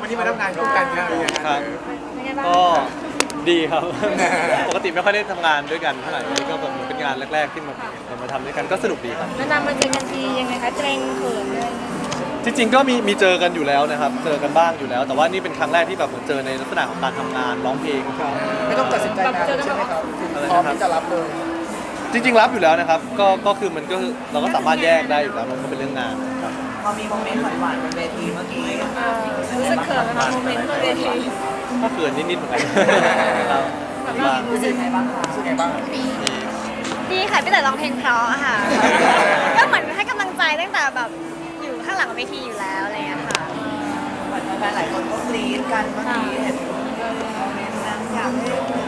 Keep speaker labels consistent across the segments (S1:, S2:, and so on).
S1: วันนี้มาทำงานร่วมกันครับ
S2: ครับ
S3: เป็นไงบ้าง
S2: ก็ดีครับ ปกติไม่ค่อยได้ทำงานด้วยกันเท่าไหร่นี่ก็แบบเป็นงานแรกๆที่มาทำด้วยกันก็สนุกดีครับ
S3: นานๆมาเจอกันทียังไงคะเกรงเขินเลย
S2: จริงๆก็มีเจอกันอยู่แล้วนะครับเจอกันบ้างอยู่แล้ว แต่ว่านี่เป็นครั้งแรกที่แบบเหมือนเจอในลักษณะของการทำงานร้องเพลงครับ
S1: ไม่ต้องตัดสินใจนานใช่ไหมครับพร้อมที่จะรับเลย
S2: จริงๆรับอยู่แล้วนะครับก็คือมันก็เราก็สามารถแยกได้อยู่แล้วมันก็เป็นเรื่องงานครับ
S4: พอมีโมเมนต์หวานๆบนเวทีเมื่อกี้
S3: รู้สึกเขินไหมคะโมเมนต์บนเวที
S2: ก็เขินนิดๆเหมือนกันครับ
S4: รู้สึกไงบ้างคะ
S1: รู้สึกไงบ้าง
S5: ดีค่ะพี่เต๋อร้องเพลงเพราะอะค่ะ ก็เหมือนให้กำลังใจตั้งแต่แบบอยู่ข้างหลังเวทีอยู่แล้วอะไรอย่างเงี้ยค่ะ
S4: เหมือนแฟนๆหลายคนก็กรี๊ดกันเมื่อกี้เห็นโมเมนต์นั้นอยากให้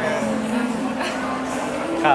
S2: ครับ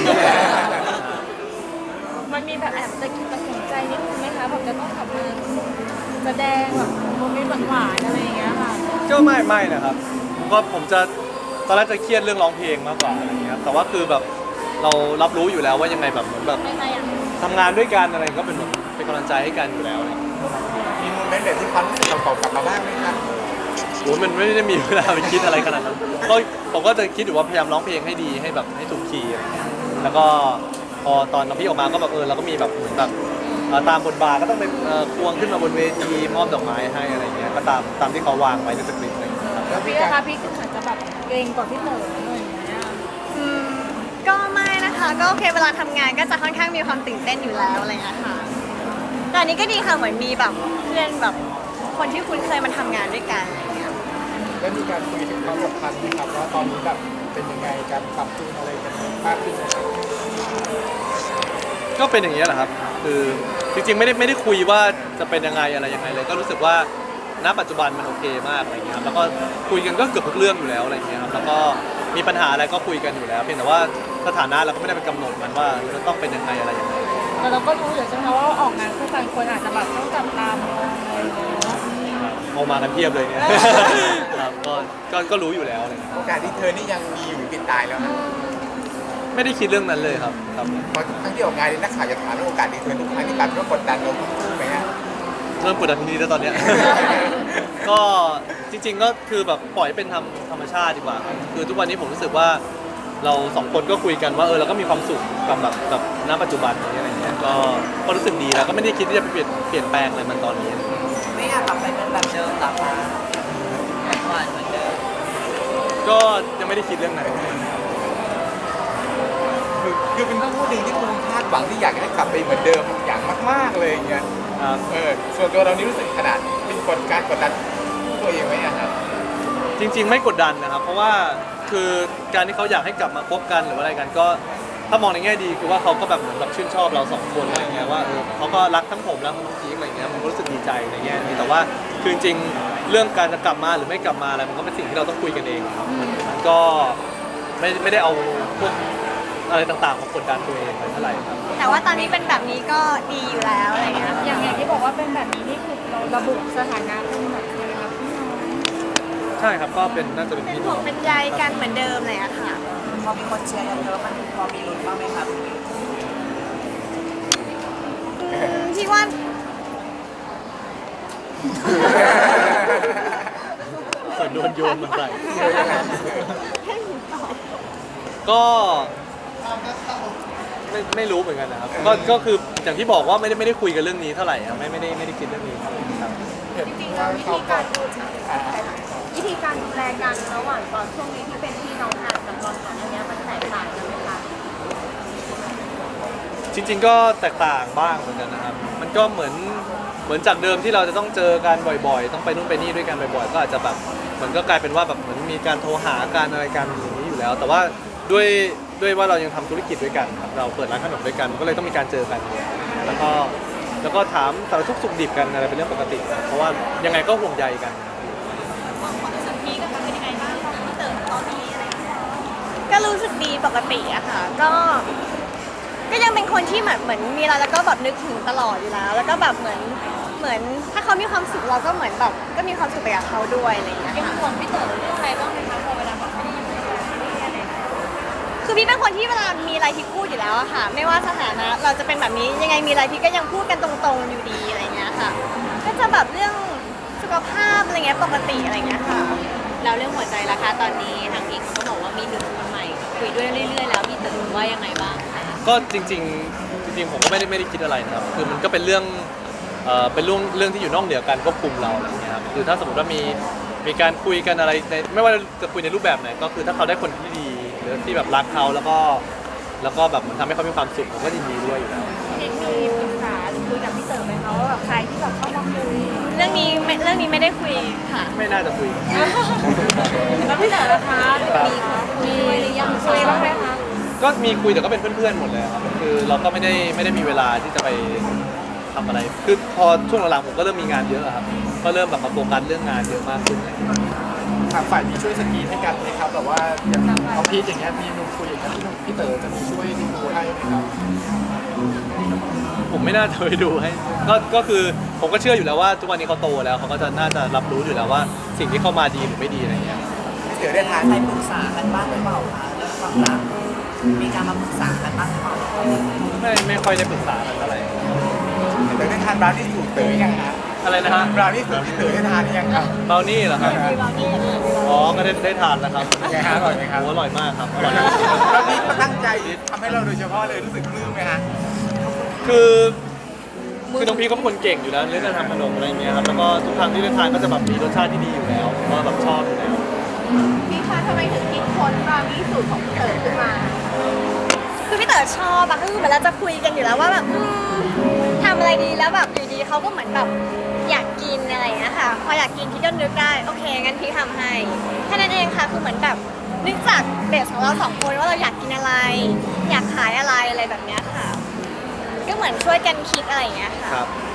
S3: มันมีแบบแอบตะกิดตะขวงใจนิดนึงไหมคะแบบจะต้องกลับมาแสดงแบบโมเมนต์หวานๆอะไรอย่างเงี้ยค่ะ
S2: ก็ไม่นะครับก็ผมจะตอนแรกจะเครียดเรื่องร้องเพลงมากกว่าอะไรอย่างเงี้ยครับแต่ว่าคือแบบเรารับรู้อยู่แล้วว่ายังไงแบบเหมือนแบบ
S3: ไม่อะ
S2: ทำงานด้วยกันอะไรก็เป็นแบบเป็นกำลังใจให้กันอยู่แล้วเนี่ย
S1: มีโมเมนต์แบบที่ความรู้สึกเก่าๆกลับมาบ้างไหมครับ
S2: โอ้ยมันไม่ได้มีเวลาไปคิดอะไรขนาดนั้นก็ผมก็จะคิดอยู่ว่าพยายามร้องเพลงให้ดีให้แบบให้ถูกคีย์อะไรเงี้ยแล้วก็พอตอนน้องพี่ออกมาก็แบบเราก็มีแบบเหมือนแบบตามบทบาทก็ต้องไปควงขึ้นมาบนเวทีมอบดอกไม้ให้อะไรเงี้ยก็ตามที่เขาวางไว้ในสคริปต์อะไรเงี้ยครับ
S1: แล้วมี
S3: พี่
S1: การ
S3: นะคะพี่คือเหมือนจะแบบเกรงกว่าพี่เต๋อหน่อยอย่างเงี้ย
S5: อืมก็ไม่นะคะ ก็โอเคเวลาทำงานก็จะค่อนข้างมีความตื่นเต้นอยู่แล้วอะไรอย่างเงี้ยค่ะแต่อันนี้ก็ดีค่ะเหมือนมีแบบเพื่อนแบบคนที่คุ้นเคยมาทำงานด้วยกันอะไรอย่างเงี้ย
S1: แล้วมีการคุยถึงความสัมพันธ์ไหมครับว่าตอนนี้แบบเป็นยังไงการปรับจูนอะไรกันมากขึ้นไหมครับ
S2: ก็เป็นอย่างนี้ยแหละครับคือจริงๆไม่ได้คุยว่าจะเป็นยังไงอะไรยังไงเลย ก็รู้สึกว่าณปัจจุบันมันโอเคมากอะไรเงี้ยครับแล้วก็คุยกันก็เกือบทุกเรื่องอยู่แล้วอะไรเงี้ยครับแล้วก็มีปัญหาอะไรก็คุยกันอยู่แล้วเพียงแต่ว่าสถานะเราก็ไม่ได้เป็นกำหนดมันว่าจะต้องเป็นยังไงอะไรยังไง
S3: แต่เราก็รู้อยู่ใช่ไหมคะว่าออกงานคู่กันคนอาจจะแบบต้องจับตามองอะไรอย่างเงี้ย
S2: เอามากันเพียบเลยเนี่ย ครับก็รู้อยู่แล้วอะไรเลย
S1: โอกาสที่เธอนี่ยังมีอยู่ติดตายแล้วนะ
S2: ไม่ได้คิดเรื่องนั้นเลยครับครับ
S1: เพราะทุกครั้งที่ออกงานนี่นักข่าวจะถามเรื่องโอกาสที่เธอทุกครั้งที่การต้องกดดันเราถูกไหมฮะ
S2: เริ่มกดดันทีนี้แล้วตอนเนี้ย ก็จริง ๆ ก็คือแบบปล่อยให้เป็นธรรมชาติดีกว่าครับคือทุกวันนี้ผมรู้สึกว่าเราสองคนก็คุยกันว่าเราก็มีความสุขกับณปัจจุบันนี้อะไรเงี้ยก็รู้สึกดีแล้วก็ไม่ได้คิดที่จะเปลี่ยนแปลงอะไรมันตอนนี้
S4: ไม่อยากกลับไปเป็นแบบเดิมหรอคะหวานเหมือนเดิม
S2: ก็ยังไม่ได้คิดเรื่องไหน
S1: คือเป็นต้องพูดหนึ่งที่คุณคาดหวังที่อยากให้กลับไปเหมือนเดิมอย่างมากๆเลยอย่างเงี้ย
S2: ครับ
S1: ส่วนตัวเรานี่รู้สึกขนาดเป็นการกดดันตัวเองไหมอะครับ
S2: จริง ๆ ไม่กดดันนะครับ เพราะว่าคือการที่เขาอยากให้กลับมาคบกันหรือว่าอะไรกันก็ถ้ามองในแง่ดีคือว่าเขาก็แบบเหมือนแบบชื่นชอบเราสองคนอะไรเงี้ยว่าเขาก็รักทั้งผมแล้วทั้งน้องพีคอะไรเงี้ยผมก็รู้สึกดีใจในแง่นี้แต่ว่าคือจริงๆเรื่องการจะกลับมาหรือไม่กลับมาอะไรมันก็เป็นสิ่งที่เราต้องคุยกันเองครับมันก็ไม่ได้เอาพวกอะไรต่างๆมากดดันตัวเองเท่าไหร่ครับ
S5: แต่ว่าตอนนี้เป็นแบบนี้ก็ดีอยู่แล้วอะไรอย่างเงี้ย
S3: อย่างที่บอกว่าเป็นแบบนี้นี่คือเราระบุสถานะเป็นแบบยังไงครับพี่น้อง
S2: ใช่ครับก็เป็นน่าจะเป็น
S5: เป็น
S2: พี่
S5: ห่
S2: น้
S5: ว
S2: อง ง
S5: เป็นใยกันเหมือนเดิมเลยอะค่ะ
S4: พอมีคนเชียร์เยอะๆมันพอมีลุ้นบ้างไหมครับ
S5: พี่ว่า
S2: เหมือนโดนโยนมาใส่ก็ไม่รู้เหมือนกันนะครับก็คืออย่างที่บอกว่าไม่ได้คุยกันเรื่องนี้เท่าไหร่ครับไม่ได้คิดเรื่องนี้ครับ
S3: จริงๆแล้ววิธีการดูแลกันระหว่างตอนช่วงนี้ที่เป็นพี่น้องกันกับตอนก่อนอันนี้มันแตกต่างกันไหมคะ
S2: จริงๆก็แตกต่างบ้างเหมือนกันนะครับมันก็เหมือนจากเดิมที่เราจะต้องเจอกันบ่อยๆต้องไปนู่นไปนี่ด้วยกันบ่อยๆก็อาจจะแบบเหมือนก็กลายเป็นว่าแบบเหมือนมีการโทรหาการอะไรกันอย่างนี้อยู่แล้ว แต่ว่าด้วยว่าเรายังทำธุรกิจด้วยกันครับเราเปิดร้านขนมด้วยกันก็เลยต้องมีการเจอกันแล้วก็ถามสารทุกข์สุขดิบกันอะไรเป็นเรื่องปกติครับเพราะว่ายังไงก็ห่วงใยกัน
S5: ก็รู้สึกดีปกติอะค่ะก็ยังเป็นคนที่เหมือนมีอะไรแล้วก็แบบนึกถึงตลอดอยู่แล้ว แล้วก็แบบเหมือนถ้าเขามีความสุขเราก็เหมือนแบบก็มีความสุขไปกับเขาด้วยอะไรอย่างเงี้ย
S3: ยัง
S5: ค่ะ
S3: ห่วงพี่เต๋อเรื่องอะไรบ้างไหมคะพอเวลาแบบไม่ได้อยู่ด้วยกัน
S5: คือพี่เป็นคนที่เวลามีอะไรที่พูดอยู่แล้วอะค่ะ ไม่ว่าสถานะเราจะเป็นแบบนี้ยังไงมีอะไรพี่ก็ยังพูดกันตรงๆอยู่ดีอะไรเงี้ยค่ะ ก็จะแบบเรื่องสุขขภาพอะไรเงี้ยปกติอะไรเงี้ยค่ะ
S6: แล้วเรื่องหัวใจล่ะคะตอนนี้ทางอีกเขาก็บอกว่ามีหนุ่มคนใหม่คุยด้วยเรื่อยๆแล้วพี่เต๋อว่ายังไงบ้างคะ
S2: ก็จริงๆผมก็ไม่ได้คิดอะไรนะครับคือมันก็เป็นเรื่องเป็นเรื่องที่อยู่นอกเหนือการควบคุมเราอะไรอย่างเงี้ยครับคือถ้าสมมติว่ามีการคุยกันอะไรในไม่ว่าจะคุยในรูปแบบไหนก็คือถ้าเขาได้คนที่ดีหรือที่แบบรักเขาแล้วก็แบบมันทำให้เขามีความสุขผมก็ยินดีด้วยอยู่แล้ว
S3: เด็กมีปรึกษาหรือคุยกับพี่เต๋อไหมคะว่าแบบใครที่แบบเข้ามาคุย
S5: เรื่องนี้ไม่ได้คุยค่ะ
S2: ไม่น่าจะคุย
S3: แล้วพี่เต๋อนะคะมีคุยด้วยหรือยังคุยบ้างไหมคะ
S2: ก็มีคุยแต่ก็เป็นเพื่อนๆหมดเลยครับคือเราก็ไม่ได้มีเวลาที่จะไปทำอะไรคือพอช่วงหลังๆผมก็เริ่มมีงานเยอะครับก็เริ่มแบบมาโฟกัสเรื่องงานเยอะมากขึ้นอะไรอย่างเงี้ย
S1: ทางฝ่ายนี้ช่วยสกรีนให้กันไหมครับแบบว่าอย่างเอาพีทอย่างเงี้ยมีหนุ่มคุยอย่างเงี้ยพี่เต๋อจะมีช่วยดูให้ไหมครับ
S2: ผมไม่น่าจะไปดูให้ก็คือผมก็เชื่ออยู่แล้วว่าทุกวันนี้เขาโตแล้วเขาก็จะน่าจะรับรู้อยู่แล้วว่าสิ่งที่เข้ามาดีหรือไม่ดีอะไรเงี้ย
S4: เดี๋ยวได้ทานใครปรึกษากันบ้างหรือเปล่าคะเรื่องความรักมีการมาปรึกษากันบ้างหรือเปล่า
S2: ไม่ค่อยได้ปรึกษากันเท่าไหร่
S1: เต๋อได้ทานบราวนี่สูตรเต๋อยังฮะ
S2: อะไรนะฮะ
S1: บราวนี่สูตรที่เต๋อได้ทานหรือยังครับ
S2: เบลนี่เหรอครับอ๋อก็ได้ทานแล้วครับ
S1: เป็นไงฮะอร่อยไหมครับ
S2: โอร่อยมากครับอร่อยมาก
S1: แล้วพี่ก็ตั้งใจทำให้เราโดยเฉพาะเลยรู้สึกปลื้มไหมฮะ
S2: คือน้องพีเขาเป็นคนเก่งอยู่แล้วเรื่องการทำขนมอะไรอย่างเงี้ยครับแล้วก็ทุกครั้งที่ได้ทานก็จะแบบมีรสชาติที่ดีอยู่แล้วผมก็แบบชอบอยู่แล้ว
S3: พี่คะทำไมถึงคิดค้นบราวนี่สูตรของพี่เต๋อขึ้นมา
S5: คือพี่เต๋อชอบอะคือเหมือนเราจะคุยกันอยู่แล้วว่าแบบทำอะไรดีแล้วแบบอยู่ดีเขาก็เหมือนแบบอยากกินอะไรอย่างเงี้ยค่ะพออยากกินพี่ก็นึกได้โอเคงั้นพี่ทำให้แค่นั้นเองค่ะคือเหมือนแบบนึกจากเบสของเราสองคนว่าเราอยากกินอะไร อยากขายอะไรแบบเนี้ยค่ะ ก็เหมือนช่วยกันคิดอะไรอย่างเงี้ยค่ะ
S2: ครับ